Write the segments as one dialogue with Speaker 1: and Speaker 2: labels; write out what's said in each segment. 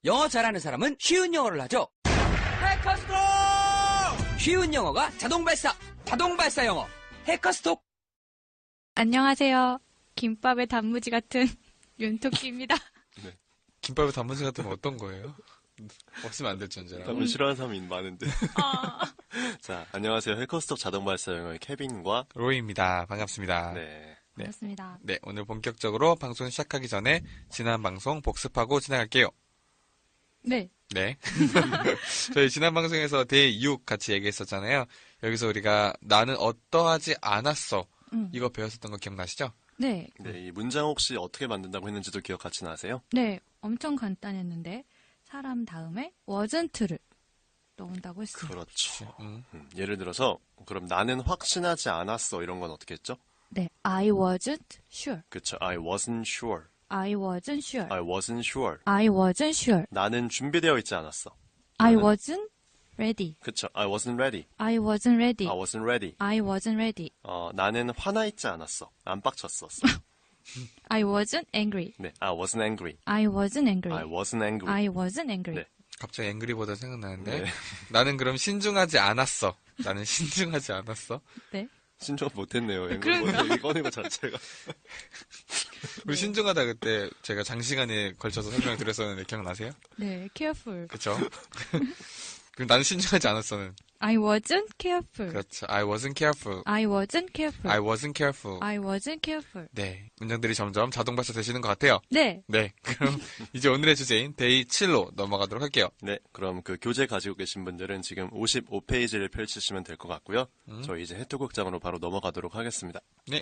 Speaker 1: 영어 잘하는 사람은 쉬운 영어를 하죠. 해커스톡! 쉬운 영어가 자동 발사 영어. 해커스톡!
Speaker 2: 안녕하세요. 김밥의 단무지 같은 윤토끼입니다.
Speaker 3: 네. 김밥의 단무지 같으면 어떤 거예요? 없으면 안 될 존재라.
Speaker 4: 단무지 싫어하는 사람이 많은데. 자, 안녕하세요. 해커스톡 자동 발사 영어의 케빈과
Speaker 3: 로이입니다. 반갑습니다.
Speaker 4: 네.
Speaker 2: 반갑습니다.
Speaker 3: 네, 오늘 본격적으로 방송 시작하기 전에 지난 방송 복습하고 지나갈게요.
Speaker 2: 네.
Speaker 3: 네. 저희 지난 방송에서 대이육 같이 얘기했었잖아요. 여기서 우리가 나는 어떠하지 않았어. 이거 배웠었던 거 기억나시죠?
Speaker 2: 네.
Speaker 4: 네, 이 문장 혹시 어떻게 만든다고 했는지도 기억 같이 나세요?
Speaker 2: 네. 엄청 간단했는데 사람 다음에 wasn't를 넣은다고 했어요.
Speaker 4: 그렇죠. 예를 들어서 그럼 나는 확신하지 않았어 이런 건 어떻게 했죠?
Speaker 2: 네. I wasn't sure.
Speaker 4: 그렇죠. I wasn't sure.
Speaker 2: I wasn't sure.
Speaker 4: I wasn't sure.
Speaker 2: I wasn't sure.
Speaker 4: 나는 준비되어 있지 않았어.
Speaker 2: I
Speaker 4: 나는-
Speaker 2: wasn't ready.
Speaker 4: 그렇죠. I wasn't ready.
Speaker 2: I wasn't ready.
Speaker 4: I wasn't ready.
Speaker 2: I wasn't ready.
Speaker 4: 나는 화나 있지 않았어. 안 빡쳤었어.
Speaker 2: I wasn't angry.
Speaker 4: 네, I wasn't angry.
Speaker 2: I wasn't angry.
Speaker 4: I wasn't angry.
Speaker 2: I wasn't angry.
Speaker 4: 네.
Speaker 3: 갑자기 앵그리보다 생각나는데
Speaker 4: 네.
Speaker 3: 나는 그럼 신중하지 않았어. 나는 신중하지 않았어.
Speaker 2: 네.
Speaker 4: 신청 못했네요.
Speaker 2: 그러니까.
Speaker 4: 얘기 꺼낸 것 자체가.
Speaker 3: 우리 신중하다 그때 제가 장시간에 걸쳐서 설명을 드렸었는데 기억나세요?
Speaker 2: 네. careful.
Speaker 3: 그쵸? 그럼 나는 신중하지 않았어는.
Speaker 2: I wasn't careful.
Speaker 3: 그렇죠. I wasn't careful.
Speaker 2: I wasn't careful.
Speaker 3: I wasn't careful.
Speaker 2: I wasn't careful.
Speaker 3: 네. 문장들이 점점 자동 발사 되시는 것 같아요.
Speaker 2: 네.
Speaker 3: 네. 그럼 이제 오늘의 주제인 데이 7로 넘어가도록 할게요.
Speaker 4: 네, 그럼 그 교재 가지고 계신 분들은 지금 55페이지를 펼치시면 될 것 같고요. 저희 이제 해토극장으로 바로 넘어가도록 하겠습니다.
Speaker 3: 네.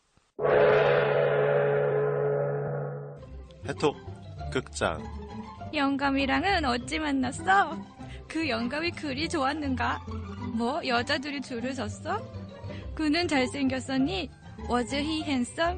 Speaker 4: 해토극장.
Speaker 2: 영감이랑은 어찌 만났어? 그 영감이 그리 좋았는가? 뭐 여자들이 줄을 섰어? 그는 잘생겼었니? Was he handsome?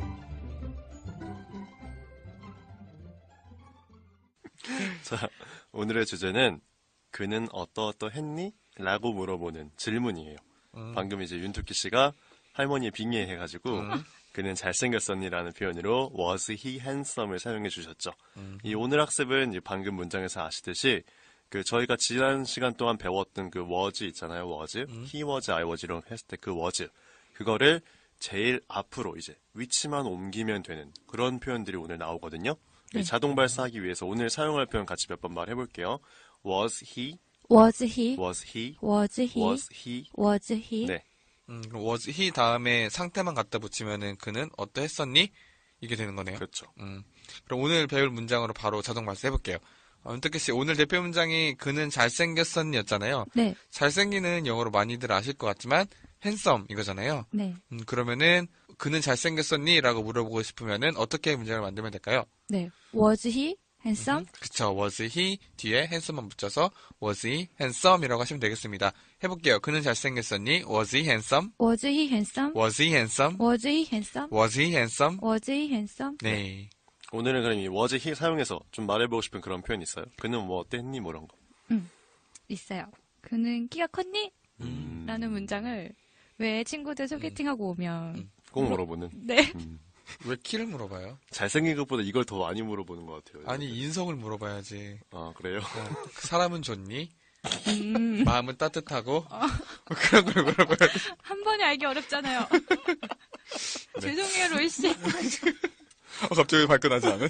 Speaker 4: 자, 오늘의 주제는 그는 어떠했니? 라고 물어보는 질문이에요. 방금 이제 윤토끼 씨가 할머니에 빙의해가지고 그는 잘생겼었니라는 표현으로 was he handsome을 사용해 주셨죠. 이 오늘 학습은 방금 문장에서 아시듯이 그 저희가 지난 시간 동안 배웠던 그 was 있잖아요. was, he was, I was 이런 했을 때 그 was 그거를 제일 앞으로 이제 위치만 옮기면 되는 그런 표현들이 오늘 나오거든요.
Speaker 2: 네.
Speaker 4: 자동 발사하기 위해서 오늘 사용할 표현 같이 몇 번 말해볼게요. was he,
Speaker 2: Was he?
Speaker 4: was he,
Speaker 2: Was he?
Speaker 4: was he.
Speaker 2: Was he?
Speaker 4: 네,
Speaker 3: 그럼 was he 다음에 상태만 갖다 붙이면은 그는 어떠했었니? 이게 되는 거네요.
Speaker 4: 그렇죠.
Speaker 3: 그럼 오늘 배울 문장으로 바로 자동 발사해볼게요. 윤택기 씨, 오늘 대표 문장이 그는 잘생겼었니였잖아요.
Speaker 2: 네.
Speaker 3: 잘생기는 영어로 많이들 아실 것 같지만 handsome 이거잖아요.
Speaker 2: 네.
Speaker 3: 그러면은 그는 잘생겼었니? 라고 물어보고 싶으면은 어떻게 문장을 만들면 될까요?
Speaker 2: 네. Was he handsome?
Speaker 3: 그쵸. was he 뒤에 handsome만 붙여서 was he handsome이라고 하시면 되겠습니다. 해볼게요. 그는 잘생겼었니? was he handsome?
Speaker 2: Was he handsome?
Speaker 3: was he handsome?
Speaker 2: Was he handsome?
Speaker 3: was he handsome?
Speaker 2: Was he handsome?
Speaker 3: 네.
Speaker 4: 오늘은 그럼 이 was he 사용해서 좀 말해보고 싶은 그런 표현 있어요? 그는 뭐 어땠니? 뭐 이런 거.
Speaker 2: 있어요. 그는 키가 컸니? 라는 문장을 왜 친구들 소개팅하고 오면
Speaker 4: 꼭 물어보는.
Speaker 2: 네.
Speaker 3: 왜 키를 물어봐요?
Speaker 4: 잘생긴 것보다 이걸 더 많이 물어보는 것 같아요.
Speaker 3: 아니, 인성을 물어봐야지.
Speaker 4: 아, 그래요?
Speaker 3: 그 사람은 좋니? 마음은 따뜻하고? 뭐 그런 걸 물어봐야지.
Speaker 2: 한 번에 알기 어렵잖아요. 죄송해요, 로이 씨.
Speaker 3: 갑자기 발끈하지 않은?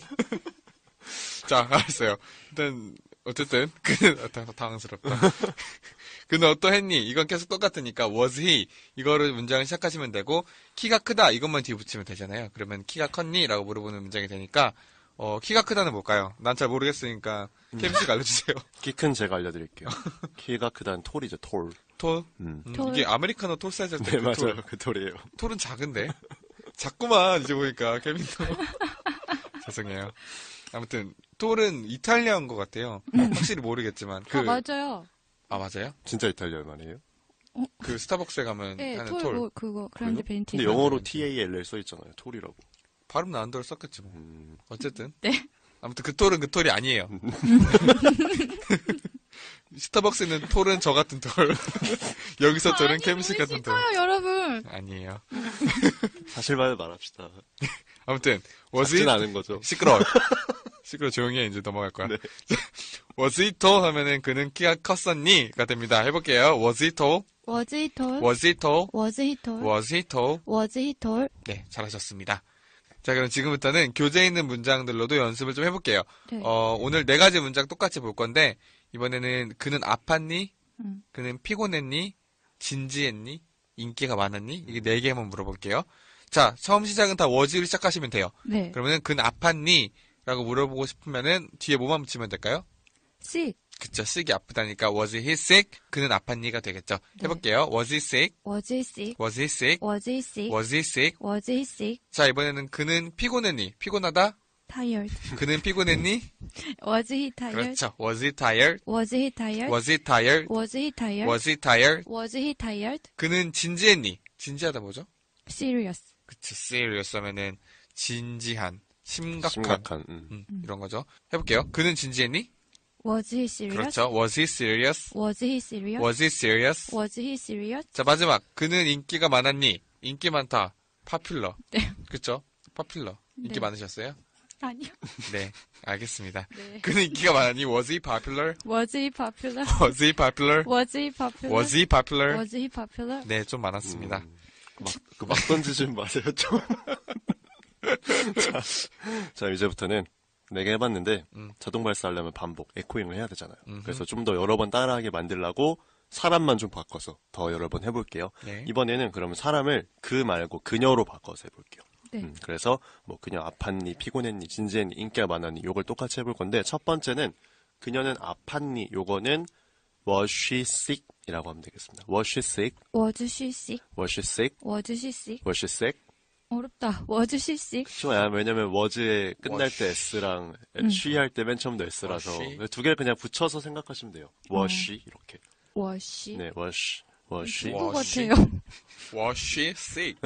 Speaker 3: 자, 알았어요. 일단, 어쨌든, 그는, 당황스럽다. 그는 어떠했니? 이건 계속 똑같으니까, was he? 이거를 문장을 시작하시면 되고, 키가 크다. 이것만 뒤에 붙이면 되잖아요. 그러면 키가 컸니? 라고 물어보는 문장이 되니까, 키가 크다는 뭘까요? 난 잘 모르겠으니까, 케빈 씨가 알려주세요.
Speaker 4: 키 큰 제가 알려드릴게요. 키가 크다는 톨이죠, 톨.
Speaker 3: 톨?
Speaker 2: 톨.
Speaker 3: 이게 아메리카노 톨 사이즈
Speaker 4: 네, 맞아요. 그 톨이에요.
Speaker 3: 톨은 작은데? 작구만, 이제 보니까, 케빈도. 죄송해요. 아무튼, 톨은 이탈리아인 것 같아요. 확실히 모르겠지만.
Speaker 2: 맞아요.
Speaker 3: 아, 맞아요?
Speaker 4: 진짜 이탈리아 말이에요?
Speaker 3: 그 스타벅스에 가면
Speaker 2: 네,
Speaker 3: 하는
Speaker 2: 톨,
Speaker 3: 톨.
Speaker 2: 뭐, 그거, 그란드
Speaker 4: 그래요?
Speaker 2: 벤티.
Speaker 4: 근데 영어로 TALL 써있잖아요. 톨이라고.
Speaker 3: 발음 나은 대로 썼겠지 뭐. 어쨌든.
Speaker 2: 네.
Speaker 3: 아무튼 그 톨은 그 톨이 아니에요. 스타벅스는 톨은 저 같은 톨. 여기서 저는 케빈 씨 같은 톨.
Speaker 2: 싫어요, 여러분.
Speaker 3: 아니에요.
Speaker 4: 사실만을 말합시다.
Speaker 3: 아무튼 was
Speaker 4: 작진
Speaker 3: he
Speaker 4: 않은 거죠.
Speaker 3: 시끄러워. 시끄러워 조용히 해. 이제 넘어갈 거야.
Speaker 4: 네.
Speaker 3: was he tall 하면은 그는 키가 컸었니가 됩니다. 해볼게요. was he tall?
Speaker 2: Was he tall?
Speaker 3: was he tall?
Speaker 2: Was he tall?
Speaker 3: was he tall?
Speaker 2: Was he tall?
Speaker 3: 네, 잘하셨습니다. 자, 그럼 지금부터는 교재에 있는 문장들로도 연습을 좀 해볼게요.
Speaker 2: 네.
Speaker 3: 오늘 4가지 문장 똑같이 볼 건데, 이번에는 그는 아팠니?
Speaker 2: 음.
Speaker 3: 그는 피곤했니? 진지했니? 인기가 많았니? 이게 4개 한번 물어볼게요. 자, 처음 시작은 다 was로 시작하시면 돼요.
Speaker 2: 네.
Speaker 3: 그러면은 그는 아팠니? 라고 물어보고 싶으면은 뒤에 뭐만 붙이면 될까요?
Speaker 2: Sick.
Speaker 3: 그쵸, sick이 아프다니까 was he sick? 그는 아팠니가 되겠죠.
Speaker 2: 네.
Speaker 3: 해볼게요. was he sick?
Speaker 2: Was he sick?
Speaker 3: was he sick?
Speaker 2: Was he sick?
Speaker 3: was he sick?
Speaker 2: Was he sick?
Speaker 3: 자, 이번에는 그는 피곤했니? 피곤하다?
Speaker 2: Tired.
Speaker 3: 그는 피곤했니?
Speaker 2: Was he tired?
Speaker 3: 그렇죠. was he tired?
Speaker 2: Was he tired?
Speaker 3: was he tired?
Speaker 2: Was he tired?
Speaker 3: was he tired?
Speaker 2: Was he tired?
Speaker 3: 그는 진지했니? 진지하다 뭐죠?
Speaker 2: Serious.
Speaker 3: 그치, serious 하면은 진지한, 심각한,
Speaker 4: 심각한.
Speaker 3: 이런 거죠. 해볼게요. 그는 진지했니?
Speaker 2: Was he serious?
Speaker 3: 그렇죠. was he serious?
Speaker 2: Was he serious?
Speaker 3: was he serious?
Speaker 2: Was he serious?
Speaker 3: 자, 마지막. 그는 인기가 많았니? 인기 많다. popular.
Speaker 2: 네.
Speaker 3: 그쵸? popular. 인기
Speaker 2: 네.
Speaker 3: 많으셨어요?
Speaker 2: 아니요.
Speaker 3: 네, 알겠습니다.
Speaker 2: 네.
Speaker 3: 그는 인기가 많았니? was he popular?
Speaker 2: Was he popular?
Speaker 3: was he popular?
Speaker 2: Was he popular?
Speaker 3: was he popular?
Speaker 2: Was he popular?
Speaker 3: 네, 좀 많았습니다.
Speaker 4: 막 던지지 마세요, 좀. 자, 이제부터는 4개 해봤는데, 자동 발사하려면 반복, 에코잉을 해야 되잖아요. 그래서 좀 더 여러 번 따라하게 만들려고 사람만 좀 바꿔서 더 여러 번 해볼게요.
Speaker 3: 네.
Speaker 4: 이번에는 그러면 사람을 그 말고 그녀로 바꿔서 해볼게요.
Speaker 2: 네.
Speaker 4: 그래서 뭐 그녀 아팠니, 피곤했니, 진지했니, 인기가 많았니, 요걸 똑같이 해볼 건데, 첫 번째는 그녀는 아팠니, 요거는 was she sick? 이라고 하면 되겠습니다. was she sick?
Speaker 2: Was she sick?
Speaker 4: was she sick?
Speaker 2: Was she sick?
Speaker 4: was she sick?
Speaker 2: 어렵다. Was she sick?
Speaker 4: 쉬워요. 왜냐면 was에 끝날
Speaker 3: was
Speaker 4: 때 s랑 she 할 때 맨 처음도 s라서
Speaker 3: was she?
Speaker 4: 두 개를 그냥 붙여서 생각하시면 돼요. was she 이렇게.
Speaker 2: Was she?
Speaker 4: 네, was she.
Speaker 3: was
Speaker 2: 것
Speaker 3: she?
Speaker 2: 같아요.
Speaker 3: was she sick?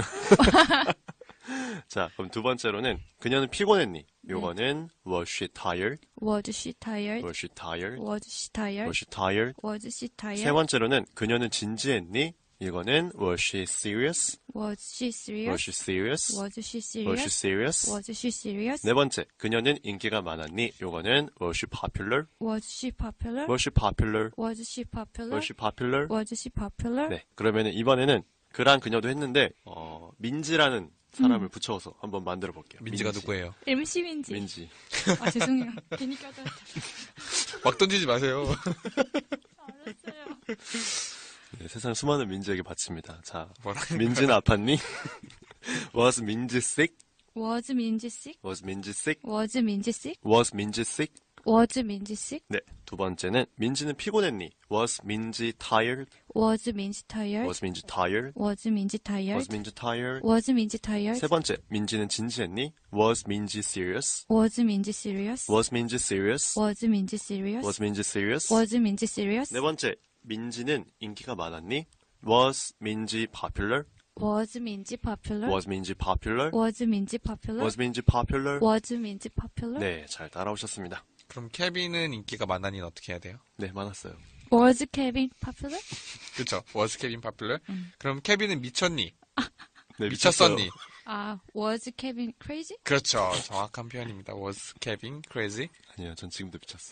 Speaker 4: 자, 그럼 두 번째로는 그녀는 피곤했니? 요거는 was she tired?
Speaker 2: Was she tired?
Speaker 4: was she tired?
Speaker 2: Was she tired?
Speaker 4: was she tired?
Speaker 2: Was she tired?
Speaker 4: 세 번째로는 그녀는 진지했니? 이거는 was she serious?
Speaker 2: Was she serious?
Speaker 4: was she serious?
Speaker 2: Was she
Speaker 4: was she
Speaker 2: serious?
Speaker 4: serious?
Speaker 2: Was she serious?
Speaker 4: 네 번째, 그녀는 인기가 많았니? 요거는 was she popular?
Speaker 2: Was she popular?
Speaker 4: was she popular?
Speaker 2: Was she popular?
Speaker 4: was she popular?
Speaker 2: Was she popular?
Speaker 4: 네, 그러면은 이번에는 그랑 그녀도 했는데 민지라는 사람을 붙여서 한번 만들어 볼게요.
Speaker 3: 민지가 누구예요?
Speaker 2: MC 민지.
Speaker 4: 민지.
Speaker 2: 아 죄송해요. 괜히 껴들었다.
Speaker 3: 막 던지지 마세요.
Speaker 2: 알았어요.
Speaker 4: 네, 세상 수많은 민지에게 바칩니다. 자,
Speaker 3: 뭐라는
Speaker 4: 민지는 아팠니? was 민지 sick?
Speaker 2: Was 민지 sick?
Speaker 4: was 민지 sick?
Speaker 2: Was 민지 sick?
Speaker 4: was 민지 sick?
Speaker 2: Was 민지 sick?
Speaker 4: 네, 두 번째는 민지는 피곤했니? was 민지 tired?
Speaker 2: Was 민지 tired?
Speaker 4: was 민지 tired?
Speaker 2: Was 민지 tired?
Speaker 4: was 민지 tired?
Speaker 2: Was 민지 tired?
Speaker 4: 세 번째, 민지는 진지했니? was 민지 serious?
Speaker 2: Was 민지 serious?
Speaker 4: was 민지 serious?
Speaker 2: Was 민지 serious?
Speaker 4: was 민지 serious?
Speaker 2: Was 민지 serious?
Speaker 4: 네 번째, 민지는 인기가 많았니? was 민지 popular?
Speaker 2: Was 민지 popular?
Speaker 4: was 민지 popular?
Speaker 2: Was 민지 popular?
Speaker 4: was 민지 popular?
Speaker 2: Was 민지 popular?
Speaker 4: 네, 잘 따라오셨습니다.
Speaker 3: 그럼 케빈은 인기가 많았니 어떻게 해야 돼요?
Speaker 4: 네, 많았어요.
Speaker 2: Was Kevin popular?
Speaker 3: 그쵸? was Kevin popular? 그럼 케빈은 미쳤니?
Speaker 4: 네,
Speaker 3: 미쳤었니?
Speaker 2: 아, was Kevin crazy?
Speaker 3: 그렇죠. 정확한 표현입니다. was Kevin crazy?
Speaker 4: 아니요, 전 지금도 미쳤어.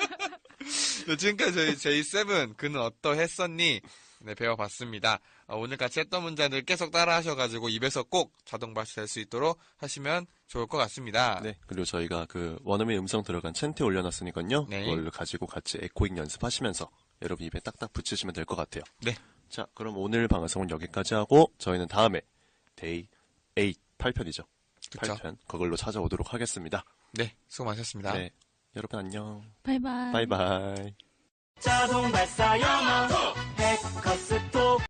Speaker 3: 네, 지금까지 저희 J7 그는 어떠했었니? 네, 배워봤습니다. 오늘 같이 했던 문장들 계속 따라 하셔가지고 입에서 꼭 자동 발사될 수 있도록 하시면 좋을 것 같습니다.
Speaker 4: 네, 그리고 저희가 그 원어민 음성 들어간 챈트 올려놨으니까요.
Speaker 3: 네.
Speaker 4: 그걸 가지고 같이 에코잉 연습하시면서 여러분 입에 딱딱 붙이시면 될 것 같아요.
Speaker 3: 네.
Speaker 4: 자, 그럼 오늘 방송은 여기까지 하고 저희는 다음에 데이 8, 8편이죠.
Speaker 3: 그쵸.
Speaker 4: 8편 그걸로 찾아오도록 하겠습니다.
Speaker 3: 네, 수고 많으셨습니다.
Speaker 4: 네, 여러분 안녕.
Speaker 2: 바이바이.
Speaker 4: 바이바이.
Speaker 1: 자동 발사 영어 해커스톡